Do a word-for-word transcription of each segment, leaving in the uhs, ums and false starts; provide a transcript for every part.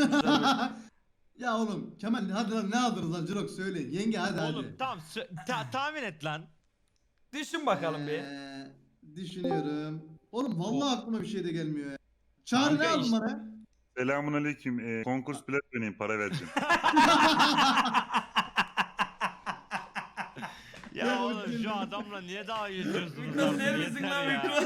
Ya oğlum Kemal hadi lan ne aldınız lan Jirok söyle. Yenge hadi Oğlum hadi. tamam ta tahmin et lan. Düşün bakalım bir. Ee, düşünüyorum. Oğlum vallahi aklıma bir şey de gelmiyor ya. Çağrı ne Kanka aldın işte- bana? Selamun aleyküm. Ee, konkurs bilet vereyim, para vereceğim. Ya Ya oğlum bakayım. şu adamla niye daha geçiyorsunuz? Mikro artık? ser misin Yeter lan ya. mikro?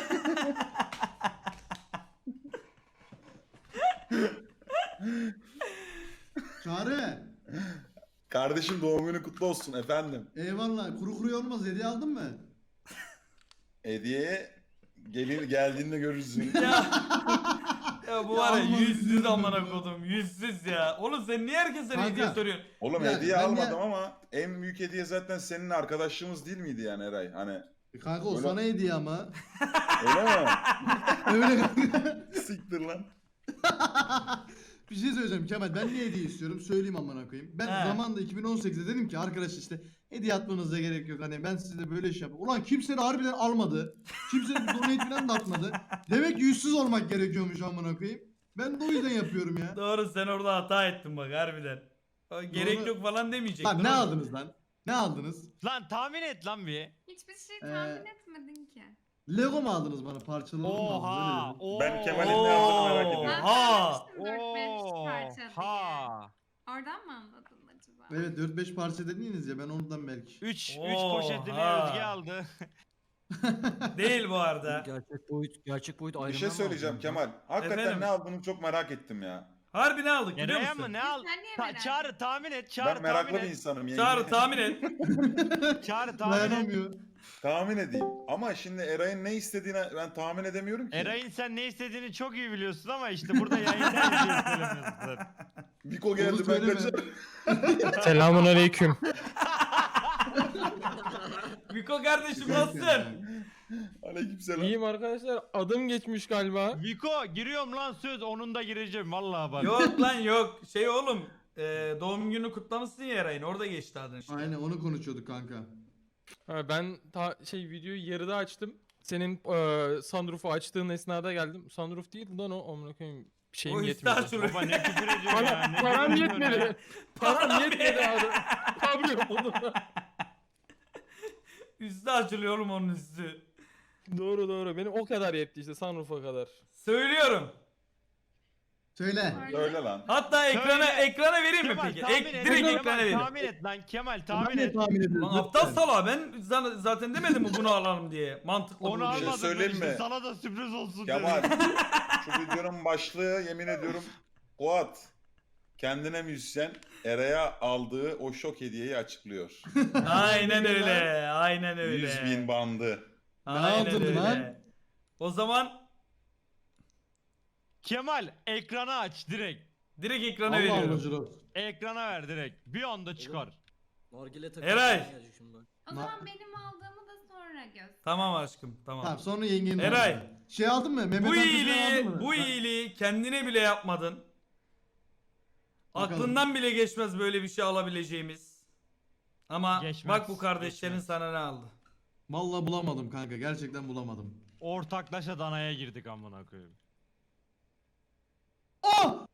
Çağrı. Kardeşim doğum günü kutlu olsun efendim. Eyvallah. Kuru kuru olmaz. Hediye aldın mı? Hediye gelir geldiğinde görürsün. Ya. Ya bu var ya Ya yüzsüz Allah'ım. amına kodum yüzsüz ya. Oğlum sen niye herkese Kanka. hediye soruyorsun? Oğlum Ya, hediye ben almadım ya- ama en büyük hediye zaten senin arkadaşlığımız değil miydi yani Eray? Hani E kanka o Öyle- sana hediye ama. öyle mi? Öyle kanka. Siktir lan. Bir şey söyleyeceğim Kemal. Ben ne hediye istiyorum? Söyleyeyim amına koyayım. Ben He. zamanında iki bin on sekizde dedim ki arkadaş işte hediye atmanıza gerek yok. Hani ben size böyle iş yapayım. Ulan kimse de harbiden almadı. Kimse de bir donate falan da atmadı. Demek ki yüzsüz olmak gerekiyormuş amına koyayım. Ben de o yüzden yapıyorum ya. Doğru sen orada hata ettin bak harbiden. O Gerek Doğru. yok falan demeyecek. Bak ne aldınız lan? Ne aldınız? Lan tahmin et lan bir. Hiçbir şey Ee, tahmin etmedin ki. Lego mu aldınız bana? Parçalı mı aldınız? Oha. Öyle Oo. Ben Kemal'in ne aldığını merak ediyorum. Ben Ha. söylemiştim dört beş parça diye. Ha. Oradan mı anladın acaba? dedim. Evet dört beş parça dediniz ya ben ondan belki. üç üç Oha. poşetini Özge aldı. Değil bu arada. Gerçek boyut, gerçek boyut ayrımı. Bir şey söyleyeceğim Kemal. Hakikaten Efendim? ne aldığını çok merak ettim ya. Harbi ne aldık biliyor Nereye musun? mı ne al? Sen niye Ta- merak Çağrı tahmin et. Çağrı ben meraklı tahmin bir et. insanım. yenge. Çağrı tahmin et. Çağrı tahmin et. Dayanamıyor. Tahmin edeyim. Ama şimdi Eray'ın ne istediğini ben tahmin edemiyorum ki. Eray'ın sen ne istediğini çok iyi biliyorsun ama işte burada yayında bir şey söylemiyorsun. Biko Onu geldi ben söyleme. kaçar. Selamun aleyküm. Miko kardeşim nasılsın? Aleykümselam. İyiyim arkadaşlar. Adım geçmiş galiba. Viko giriyorum lan söz onun da gireceğim vallahi bak. Yok lan yok. Şey oğlum. e, doğum günü kutlamışsın ya Eray'ın. Orada geçti adın işte. Aynen onu konuşuyorduk kanka. Ha, ben ta, şey videoyu yarıda açtım. Senin e, sunroof'u açtığın esnada geldim. Sunroof değil lan o. Amına koyayım. Şeyim O yetmedi. istihar Baba ne küfür ediyorsun ya. Para, Ne param küfür ediyorsun ya? yetmedi. Param yetmedi abi. Kablo buldum. Üstü açılıyor oğlum onun üstü. Doğru doğru. Benim o kadar yetti işte sunroof'a kadar. Söylüyorum. Söyle. Öyle lan. Hatta ekrana Söyle. ekrana vereyim mi Kemal peki? tahmin Ek, et. direkt Kemal, ekrana vereyim. tahmin et lan Kemal Ben tahmin de et. tahmin ediyorum. Lan aptal sala ben zan- zaten demedim mi bunu alalım diye. Mantıklı Onu bu diye. şey almadım ben söyleyeyim işte mi? sana da sürpriz olsun Kemal. dedim. Şu videonun başlığı yemin ediyorum Fuat kendine müzisyen Eray'a aldığı o şok hediyeyi açıklıyor. Aynen öyle. Aynen öyle. yüz bin bandı. Aynen aldın öyle. lan? O zaman Kemal ekranı aç direkt. direkt ekrana Allah Allah veriyorum. Jirok. Ekrana ver direkt. Bir anda çıkar. Nargile takı. Eray. O zaman benim aldığımı da sonra göster. Tamam aşkım tamam. Tamam sonra yengenin Eray. aldı. Şey aldın mı? Mehmet Bu Akif falan aldın iyiliği, mı? bu Ha. iyiliği kendine bile yapmadın. Bakalım. Aklından bile geçmez böyle bir şey alabileceğimiz. Ama Geçmez, bak bu kardeşlerin geçmez. sana ne aldı. Vallahi bulamadım kanka. Gerçekten bulamadım. Ortaklaşa danaya girdik amına koyayım. Oh!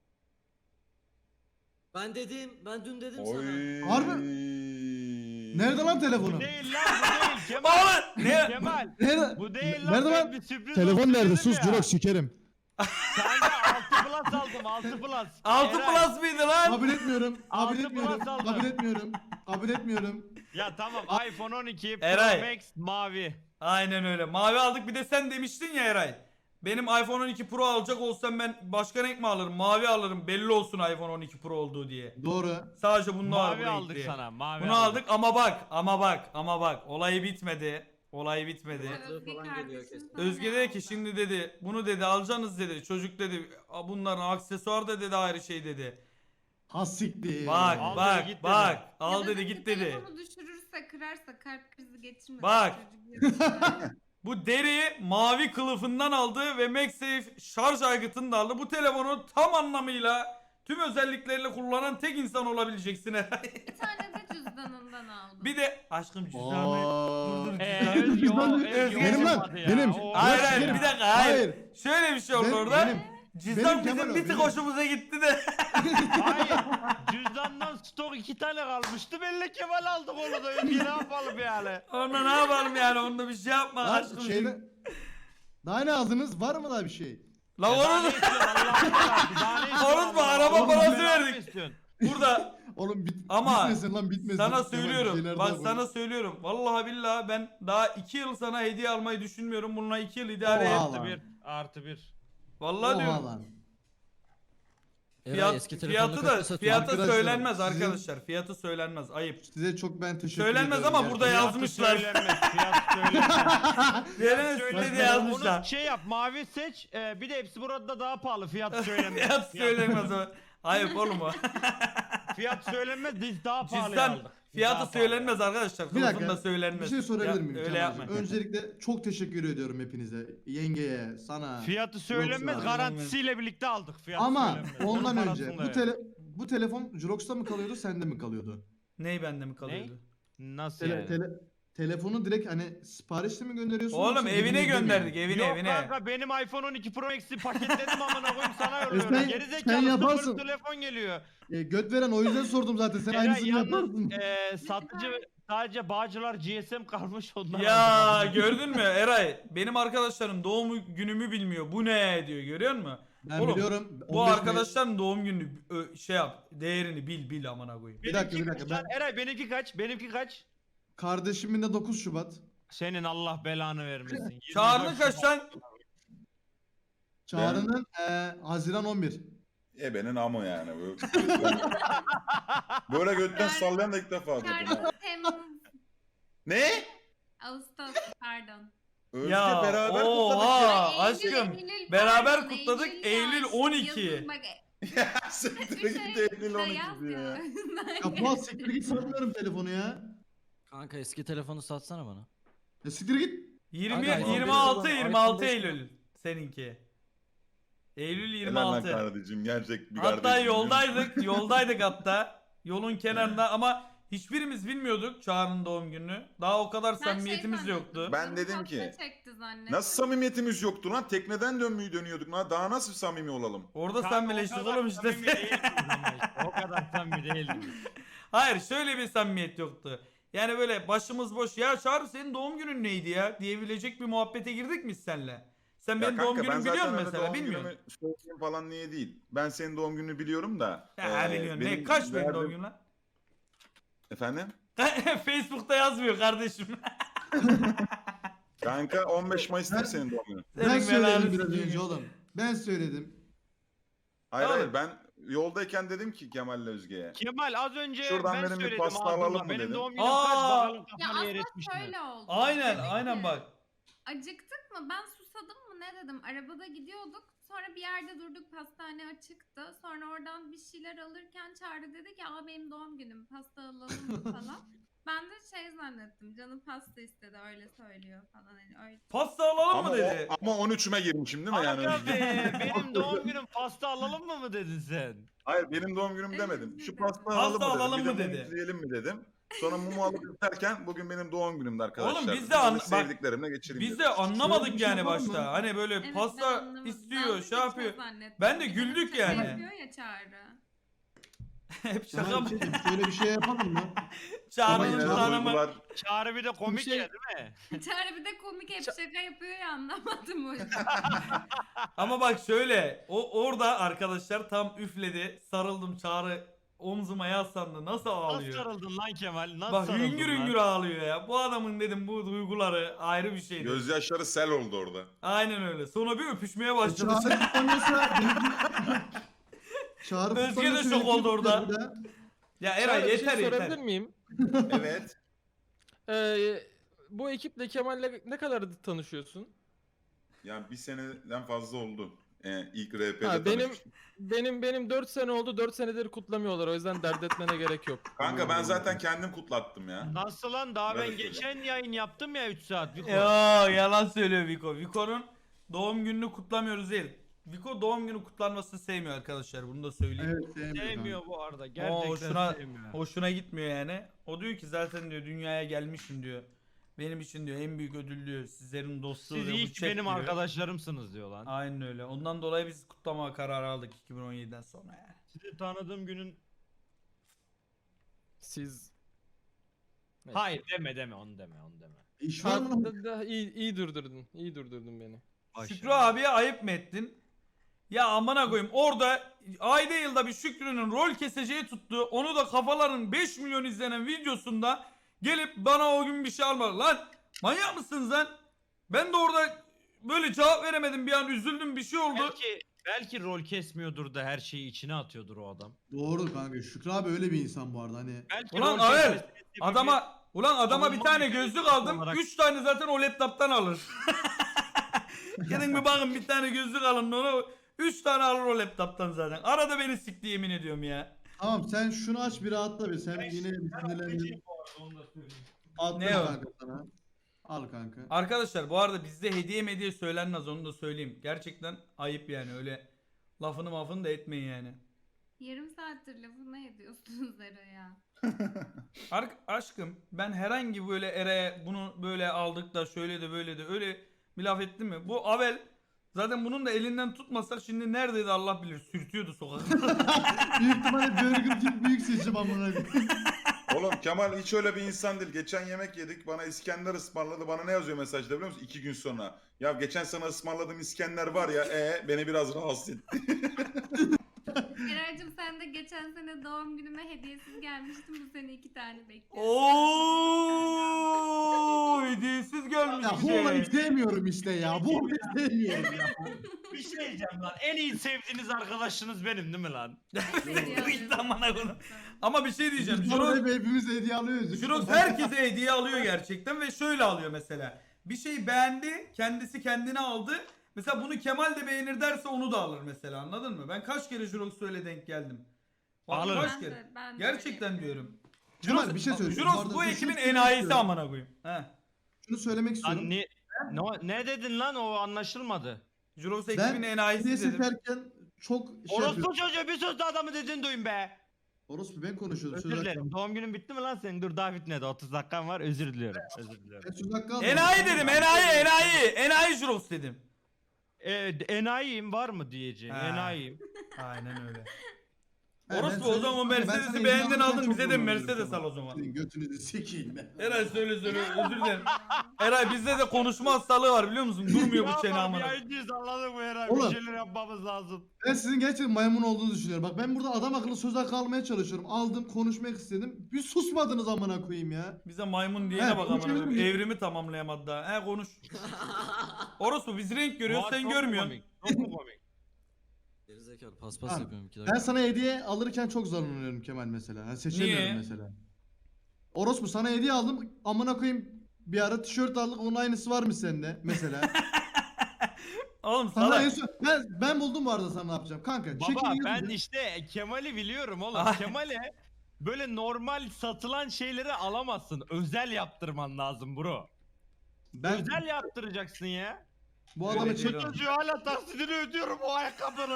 Ben dedim, ben dün dedim Oy. sana. Harbi- Nerede lan telefonum? Bu değil lan bu değil Kemal. Oğlum ne? Kemal. Nerede? Bu değil lan Nerede ben lan? bir sürpriz Telefon olsun nerede? dedim Sus ya. Jirok sikerim. Kanka altı plus aldım altı plus. altı Eray. plus mıydı lan? Kabul etmiyorum. Kabul Altı etmiyorum. plus aldım. Kabul etmiyorum. Kabul etmiyorum. Ya tamam iPhone on iki Pro Eray. Max mavi. Aynen öyle. Mavi aldık bir de sen demiştin ya Eray. Benim iPhone on iki Pro alacak olsam ben başka renk mi alırım? Mavi alırım. Belli olsun iPhone on iki Pro olduğu diye. Doğru. Sadece bunu var Mavi bu aldık renkli. sana. Mavi Bunu aldık ama bak ama bak ama bak olayı bitmedi. Olay bitmedi. Fatih falan geliyor kesin. Özge dedi ki şimdi dedi bunu dedi alacaksınız dedi. Çocuk dedi bunların aksesuar da dedi ayrı şey dedi. Ha siktir. Bak Al dedi, bak git dedi. bak al dedi git dedi. Telefonu düşürürse kırarsa kalp krizi geçirmesin. Bak. Çocuk yüzünden. Bu deri mavi kılıfından aldı ve MagSafe şarj aygıtını da aldı. Bu telefonu tam anlamıyla tüm özellikleriyle kullanan tek insan olabileceksin Eray. Bir tane de cüzdanından aldım. Bir de aşkım cüzdanı. Aa. Dur dur Ee, cüzdanı. Özge o Benim Özge lan, olmadı ya. benim. O- Hayır Yok, hayır benim. bir dakika hayır. Hayır. Şöyle bir şey oldu Ben- orada. benim. Cüzdan Benim Kemal bizim o, bir tık benim. hoşumuza gitti de. Hayır. Cüzdandan stok iki tane kalmıştı. Belli Kemal aldık onu da. Özge ne yapalım yani? Onda ne yapalım yani, onda bir şey yapma Lan aşkım. şeyde... Daha ne aldınız? Var mı daha bir şey? La Ya daha onu ne istiyorsun Allah'ını seversen? Daha ne istiyorsun Unutma, Allah'ını araba seversen? parası Belanı verdik. mı istiyorsun? burada Oğlum bit Ama bitmesin lan bitmesin. sana Kemal, bir söylüyorum. şeyler Bak daha koy. sana söylüyorum. Vallahi billahi ben daha iki yıl sana hediye almayı düşünmüyorum. Bununla iki yıl idare Oha. et. Artı bir. Artı bir. Vallahi Oha diyorum. lan. Eray, Fiyat, eski telefonunu fiyatı da kaça satıyorsun? fiyatı Arkadaşlar, söylenmez sizin- arkadaşlar. Fiyatı söylenmez. Ayıp. Size çok ben teşekkür Söylenmez ediyorum. ama burada gerçekten. yazmışlar. Fiyat söylenmez. Fiyat söylenmez. Söylenmez Söylenmez. diye yazmışlar. Onu şey yap, mavi seç. e, bir de hepsi burada daha pahalı. Fiyat söylenmez. Fiyat söylenmez o. Ayıp oğlum o. Fiyat söylenmez. Biz daha pahalı Cüzdan aldık. Biz fiyatı daha pahalı söylenmez arkadaşlar. Bir dakika, Kılıfında söylenmez. Bir şey sorabilir Ya, miyim? Öyle Kemal'cim? yapma. Öncelikle çok teşekkür ediyorum hepinize. Yengeye, sana. Fiyatı söylenmez. Yoksa- Garantisiyle birlikte aldık. Fiyat Ama söylenmez. ondan Onun önce parasını bu da ver. tele bu telefon Jurox'ta mı kalıyordu, sende mi kalıyordu? Ney bende mi kalıyordu? Nasıl Tele, yani? tele, telefonu direkt hani siparişle mi gönderiyorsun? Oğlum yoksa evine evine gönderdik, mi? evine Yok evine. kanka benim iPhone on iki Pro Max'i paketledim amına koyayım sana yolluyorum. E sen- Geri sen zekalı yaparsın. sıfır telefon geliyor. E, göt veren o yüzden sordum zaten. Sen Eray, aynısını yalnız, yaparsın. e, satıcı sadece Bağcılar G S M kalmış onlar. Ya aldım. gördün mü Eray? Benim arkadaşlarım doğum günümü bilmiyor. Bu ne diyor, görüyor musun? Ben Oğlum, biliyorum. Bu on beş arkadaşların doğum gününü ö, şey yap, değerini bil bil amına koyayım. Bir dakika, Benimki bir dakika, kaç lan? Eray benimki kaç? Benimki kaç? Kardeşimin de dokuz Şubat. Senin Allah belanı vermesin. yirmi Çağrı'nın dört kaç Şubat. lan? Çağrı'nın e, Haziran on bir. Ebenin amı yani. Böyle, böyle götten sallayan da ilk defa gördüm. ha. Pardon, Temmuz, Ne? Ağustos pardon. Özge Ya, beraber oha. kutladık ya. Aa, Ay, Eylül, aşkım, Eylül, beraber pardon, kutladık, Eylül yaz, on iki. yazın bak, Ya siktir üç git ay Eylül da on iki yaz diyor ya. Ya Fuat siktir git, satmıyorum telefonu ya. Kanka eski telefonu satsana bana. Ya siktir git. yirmi Kanka, yirmi altı iPhone yirmi altı beş Eylül seninki. Eylül yirmi Helal lan altı. kardeşim gerçek bir Hatta kardeşim. yoldaydık, yoldaydık hatta. Yolun kenarında ama hiçbirimiz bilmiyorduk Çağrı'nın doğum gününü. Daha o kadar Ben samimiyetimiz şey yoktu. zannettim, Ben canım dedim pasta ki, çekti zannettim. Nasıl samimiyetimiz yoktu lan? Tekneden dönmeyi dönüyorduk lan. Daha nasıl samimi olalım? Orada Kanka, sen o birleştik kadar oğlum işte. samimi değildik ama işte, O kadar samimi değildik. Hayır, şöyle bir samimiyet yoktu. Yani böyle başımız boş, ya Çağrı senin doğum günün neydi ya diyebilecek bir muhabbete girdik mi biz seninle? Sen Ya benim kanka, doğum ben günümü biliyor zaten musun öyle mesela? doğum Bilmiyorum. günümü söyleyeyim falan niye değil. Ben senin doğum gününü biliyorum da. Ya eee, biliyorsun. Ne? benim Kaç benim verdiğim- doğum günüm lan? Efendim? Facebook'ta yazmıyor kardeşim. Kanka on beş Mayıs'tır senin doğum günün. Ben Senin söyledim belanı biraz sikeyim. önce oğlum. Ben söyledim. Hayır Oğlum. hayır ben yoldayken dedim ki Kemal'le Özge'ye. Kemal az önce Şuradan ben benim bir söyledim pasta ağzımla. alalım mı Benim dedim. doğum günüm Aa. kaç bakalım Ya kafanı yer aslında etmiş mi? şöyle oldu. Aynen, Dedi aynen ki, bak. Acıktık mı? Ben susadım mı? Ne dedim? Arabada gidiyorduk. Sonra bir yerde durduk. Pastane açıktı. Sonra oradan bir şeyler alırken Çağrı dedi ki aa benim doğum günüm. Pasta alalım mı falan. Ben de şey zannettim. Canım pasta istedi. Öyle söylüyor falan. Hani öyle. Pasta alalım Ama, mı dedi. o, ama on üçüme girmişim değil mi yani? Aga be benim doğum günüm pasta alalım mı mı dedin sen? Hayır benim doğum günüm Evet, demedim. Şu dedim. pasta Pasta alalım mı dedim. alalım bir de mı mum dedi. üfleyelim mi dedim. Sonra mumu alıp üflerken bugün benim doğum günümdü arkadaşlar. Oğlum biz de Böyle an- bak, sevdiklerimle geçireyim Biz dedim. de anlamadık Şöyle bir şey yani yapalım başta. mı? Hani böyle Evet, ben pasta anlamadım. istiyor, Ben şey geçme yapıyor. zannettim. Ben de Bir güldük şaka yani. yapıyor ya Çağrı. Hep şaka Kemal mı? bir şey diyeyim, şöyle bir şey yapalım mı? Ama Çağrı'nın yine de tanımı. duygular Çağrı bir de komik şey- ya değil mi? Çağrı bir de komik hep şaka yapıyor ya anlamadım o yüzden. Ama bak şöyle, o orada arkadaşlar tam üfledi, sarıldım, Çağrı omzuma yaslandı, nasıl Nasıl ağlıyor? sarıldın lan Kemal? Nasıl Bak sarıldın hüngür lan? hüngür ağlıyor ya. Bu adamın dedim bu duyguları ayrı bir şeydi. gözyaşları sel oldu orada. Aynen öyle. Sonra bir öpüşmeye başladı. Çağrı kutlanıyorsa... Çağrı Özge de kutlanıyorsa şok benimki oldu orada. kutlar bir daha. Ya Çağrı, Eray bir yeter şey sorabilir yeter. miyim? Evet. Ee, bu ekiple Kemal'le ne kadar tanışıyorsun? Yani bir seneden fazla oldu. Ee, ilk R P'de Ha, benim tanışmıştım. benim benim dört sene oldu. dört senedir kutlamıyorlar. O yüzden dert etmene gerek yok. Kanka ben zaten kendim kutlattım ya. Nasıl lan? Daha ben Evet, geçen yayın yaptım ya üç saat. Bir Yo yalan söylüyor Viko. Viko'nun doğum gününü kutlamıyoruz değil. Viko doğum günü kutlanmasını sevmiyor arkadaşlar. Bunu da söyleyeyim. Evet sevmiyorum. Sevmiyor bu arada. O Gerçekten hoşuna, sevmiyor. hoşuna gitmiyor yani. O diyor ki zaten diyor dünyaya gelmişim diyor. Benim için diyor en büyük ödül diyor. Sizlerin dostluğu Siz diyor, iyi bu ki chat benim diyor. arkadaşlarımsınız diyor lan. Aynen öyle. Ondan dolayı biz kutlama kararı aldık iki bin on yediden sonra yani. Sizi tanıdığım günün... Siz... Neyse. Hayır deme deme onu deme onu deme. İş var mı? Da- da- iyi, iyi durdurdun. İyi durdurdun beni. Şükrü abiye ayıp mı ettin? Ya amına koyayım orada ayda yılda bir Şükrü'nün rol keseceği tuttu. Onu da kafaların beş milyon izlenen videosunda gelip bana o gün bir şey almadı. Lan manyak mısınız lan? Ben de orada böyle cevap veremedim, bir an üzüldüm, bir şey oldu. Belki belki rol kesmiyordur da her şeyi içine atıyordur o adam. Doğru kanka. Şükrü abi öyle bir insan bu arada hani. Belki Ulan rol Avel, kesmesi sebebi- Adama ulan adama bir Savunma tane mekanizması gözlük aldım. olarak- Üç tane zaten o laptop'tan alır. Gidin bir bakın bir tane gözlük alın ona. Üç tane alır o laptop'tan zaten. Arada beni sikti yemin ediyorum ya. Tamam sen şunu aç bir rahatla bir. Sen yine bir sinirlendin. Attım Ne o? kanka sana. Al kanka. Arkadaşlar bu arada bizde hediye mediye söylenmez, onu da söyleyeyim. Gerçekten ayıp yani, öyle lafını mafını da etmeyin yani. Yarım saattir lafı ne ediyorsunuz Eray'a? Ar- aşkım ben herhangi böyle Eray'a bunu böyle aldık da şöyle de böyle de öyle bir laf ettim mi? Bu Avel zaten bunun da elinden tutmasak şimdi neredeydi Allah bilir, sürtüyordu sokakta. Büyük ihtimalle Burger King büyük seçim amına koyayım. Oğlum Kemal hiç öyle bir insan değil. Geçen yemek yedik. Bana İskender ısmarladı. Bana ne yazıyor mesajda biliyor musun? İki gün sonra. Ya geçen sana ısmarladığım İskender var ya. E beni biraz rahatsız etti. Eray'cığım sen de geçen sene doğum günüme hediyesiz gelmiştin. Bu sene iki tane bekliyorum. Ooo hediyesiz gelmiş Ya bu olayı işte. sevmiyorum işte ya. Bu olayı sevmiyorum ya. Bir şey diyeceğim lan. En iyi sevdiğiniz arkadaşınız benim değil mi lan? Git amına koyayım. Ama bir şey diyeceğim. Biz Jurox, hep hepimiz hediye alıyoruz. Jurox herkese hediye alıyor gerçekten ve şöyle alıyor mesela. Bir şey beğendi, kendisi kendine aldı. Mesela bunu Kemal de beğenir derse onu da alır mesela, anladın mı? Ben kaç kere Jurox'a öyle denk geldim. Bak, Alır. kaç Ben kere. de- ben de Gerçekten öyle diyorum. Kemal bir şey söyleyeyim. Jurox arada bu bir şey ekibin söylemek enayisi istiyorum. amına koyayım. He. Şunu söylemek istiyorum. Lan ne, ne, ne dedin lan o anlaşılmadı. Jurox Ben ekibin enayisi hediye dedim. seçerken çok şey Orospu yapıyorum. çocuğu bir söz de adamı dediğini duyun be. Orospu ben konuşuyordum. Özür Söz hakkı. dilerim. Doğum günün bitti mi lan senin? Dur daha bitmedi. otuz dakikan var. Özür diliyorum. Özür diliyorum. Ben söz hakkı aldım. Enayi dedim, enayi, enayi. Enayi Jurox dedim. Ee, enayiyim var mı diyeceğim. Ha. Enayiyim. Aynen öyle. He, ben Orospu o söyleyeyim zaman kanka, ben Mercedes'i sana hediye beğendin alırken aldın, çok bize de gurur Mercedes duyuyorum. al o zaman. Senin götünüzü sikeyim ben. Eray söyle söyle, özür dilerim. Eray bizde de konuşma hastalığı var biliyor musun? Durmuyor bu çene amına. Yayıncıyız anladın mı Eray? Oğlum. Bir şeyler yapmamız lazım. Ben sizin gerçekten maymun olduğunuzu düşünüyorum. Bak ben burada adam akıllı söz hakkı almaya çalışıyorum. Aldım, konuşmak istedim. Bir susmadınız amına koyayım ya. Bize maymun diyene He, bak konuşabilir amına. miyim? Evrimi tamamlayamadı daha. He konuş. Orospu biz renk görüyoruz, Vay, sen çok mu görmüyorsun. komik, Çok mu komik? Gerizekalı paspas Tamam. yapıyorum iki dakika. Ben sana hediye alırken çok zorlanıyorum Kemal mesela. Yani seçemiyorum Niye? mesela. Orospu sana hediye aldım. Amına koyayım bir ara tişört aldık. Onun aynısı var mı sende mesela? Oğlum Sana en salak. son, ben, ben buldum bu arada sana ne yapacağım. Kanka Baba çekil ben yüzünü. işte Kemal'i biliyorum oğlum. Ay. Kemal'e böyle normal satılan şeyleri alamazsın. Özel yaptırman lazım bro. Ben Özel yaptıracaksın ya. bu adamı Öyle çek. değil. Çocuğu hala taksidini ödüyorum o ayakkabının.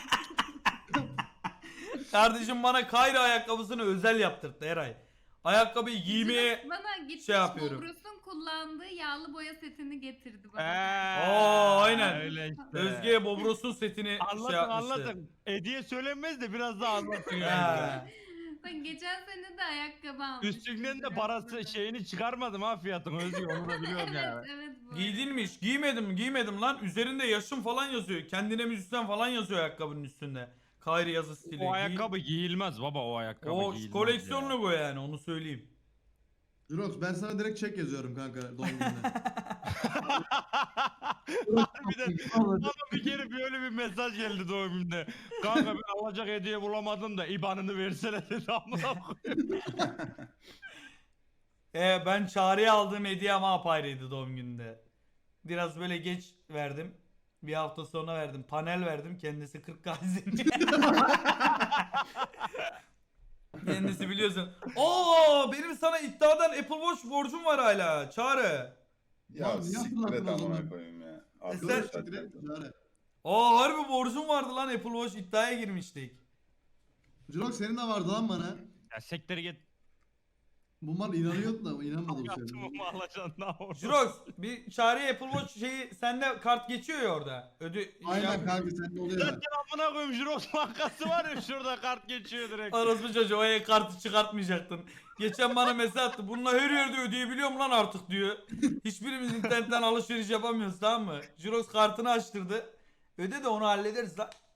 Kardeşim bana Kayra ayakkabısını özel yaptırdı Eray. Ayakkabıyı giymeye... Jirox bana gitmiş şey yapıyorum. Bobros'un kullandığı yağlı boya setini getirdi bana. Oo, aynen. Öyle işte. Özge'ye Bobros'un setini Anlatın şey yapmıştı. anlatın. Hediye söylenmez de biraz daha anlatın yani. Ha. Bak geçen sene de ayakkabı almıştım. Üstünden de parası şeyini çıkarmadım ha fiyatını Özge onu da biliyorum Evet yani. evet bu. Giydinmiş. Giymedim giymedim lan. Üzerinde yaşım falan yazıyor. Kendine müzisyen falan yazıyor ayakkabının üstünde. Kayri yazı stili. O Giy- ayakkabı giyilmez baba o ayakkabı O giyilmez koleksiyonlu bu yani, onu söyleyeyim. Jirox ben sana direkt çek yazıyorum kanka doğum gününe. Harbiden bana bir kere böyle bir mesaj geldi doğum gününde. Kanka ben alacak hediye bulamadım da I B A N'ını versene dedi amına koyayım. Ee, ben Çağrı'ya aldığım hediye ama apayrıydı doğum gününde. Biraz böyle geç verdim. Bir hafta sonra verdim. Panel verdim. Kendisi kırk gazini. Kendisi biliyorsun. Oo, benim sana iddiadan Apple Watch borcum var hala. Çağrı. Ya Lan niye siktir et hatırlattın o amına zaman? koyayım ya. sen- Arkadaşlar. Aa, harbi borcum vardı lan, Apple Watch iddiaya girmiştik. Jirox senin de vardı lan bana. Ya sektörü git. Bu mal inanıyordu da inanmadı bu sefer. Yatımımı alacaksın ne olur. Jirox bir çağrı Apple Watch şeyi sende kart geçiyor ya orada. Ödü Aynen ya- kanka sende oluyor. Zaten amına koyayım Jirox bankası var ya şurada kart geçiyor direkt. Orospu çocuğu o e-kartı çıkartmayacaktın. Geçen bana mesaj attı. Bununla her yerde ödeyebiliyorum lan artık diyor. Hiçbirimiz internetten alışveriş yapamıyoruz tamam mı? Jirox kartını açtırdı. Öde de onu hallederiz lan.